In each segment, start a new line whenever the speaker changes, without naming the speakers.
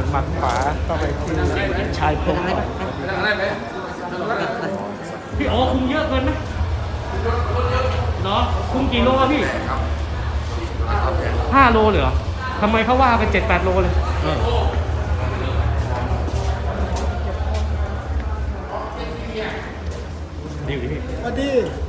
หมัดขวาเข้าไปที่ชายโครงก่อน
พี่โอ้คุมเยอะเกินไหมเนาะคุมกี่โลอะพี่5 โลเลยเหรอทำไมเขาว่าเป็น7-8 โลเลยดีอยู่ดิพี่
สวัสดี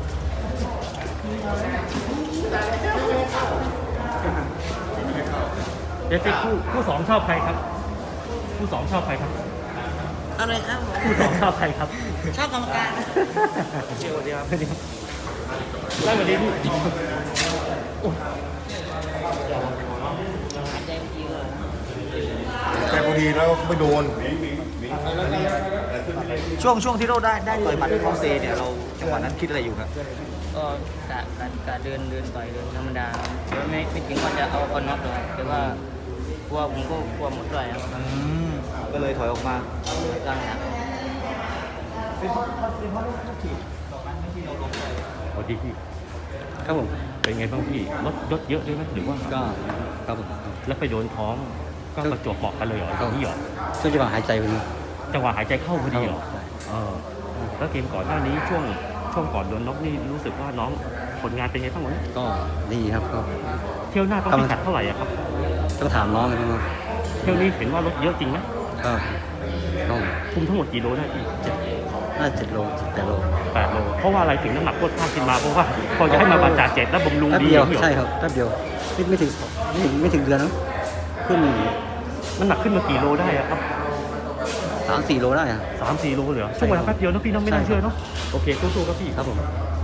เดี๋ยวคู่สองชอบใครครับคู่สองชอบใครครับ
อะไรครับ
คู่สองชอบใครครับ
ชอบกรรมการ
เชียวเดียวได้วันนี้พี่โอ้ย
แต่พอดีแล้วไม่โดน
ช่วงที่เราได้ต่อยหมัดที่คองเซเนี่ยเราจังหวะนั้นคิดอะไรอยู่ครับ
ก็กะเดินต่อยเดินธรรมดาแต่ว่าไม่ถึงว่าจะเอาคนน็อกเลยแต่ว่ากลัวผมก็กลัวหมดด้วยครับ
ก็เลยถอยออกมา
ตั้งหลัก
สวัสดีพี่
ครับผม
เป็นไงบ้างพี่ลดยศเยอะด้วยไหมหรือว่า
ก็ครับผม
แล้วไปโดนท้องก็ประจวบเหมาะกันเลยเหรอที่เหรอ
ช่วงจังหวะหายใจพอดี
จังหวะหายใจเข้าพอดีเหรอแล้วเกมก่อนหน้านี้ช่วงก่อนโดนน็อกนี่รู้สึกว่าน้องผลงานเป็นไงบ้างวะ
ก็ดีครับก็
เที่ยวหน้าต้องพิกัดเท่าไหร่อะครับ
ต้องถามน้องกันนะครับ
เที่ยวนี้เห็นว่าลดเยอะจริงไหม
ก็ต้อง
คุมทั้งหมดกี่โลได้พี่
น่า7 โล 8 โล
8 โลเพราะว่าอะไรถึงน้ำหนักโคตรข้ามขึ้นมาเพราะว่าพอจะให้มาบรรจาเจ็ดแล้วบำรุง
แป๊บ
ดี
เดียว
นี่หรอ
ใช่ครับแป๊บเดียวไม่ถึงเดือนนะขึ้น
น้ำหนักขึ้นมากี่โลได้อะครับ
3-4 โลได้อะ
3-4 โลเลยเหรอช่วงเวลาแป๊บเดียวนะพี่น้องไม่น่าเชื่อเนาะโอเคสู้ๆครับพี่
ครับผม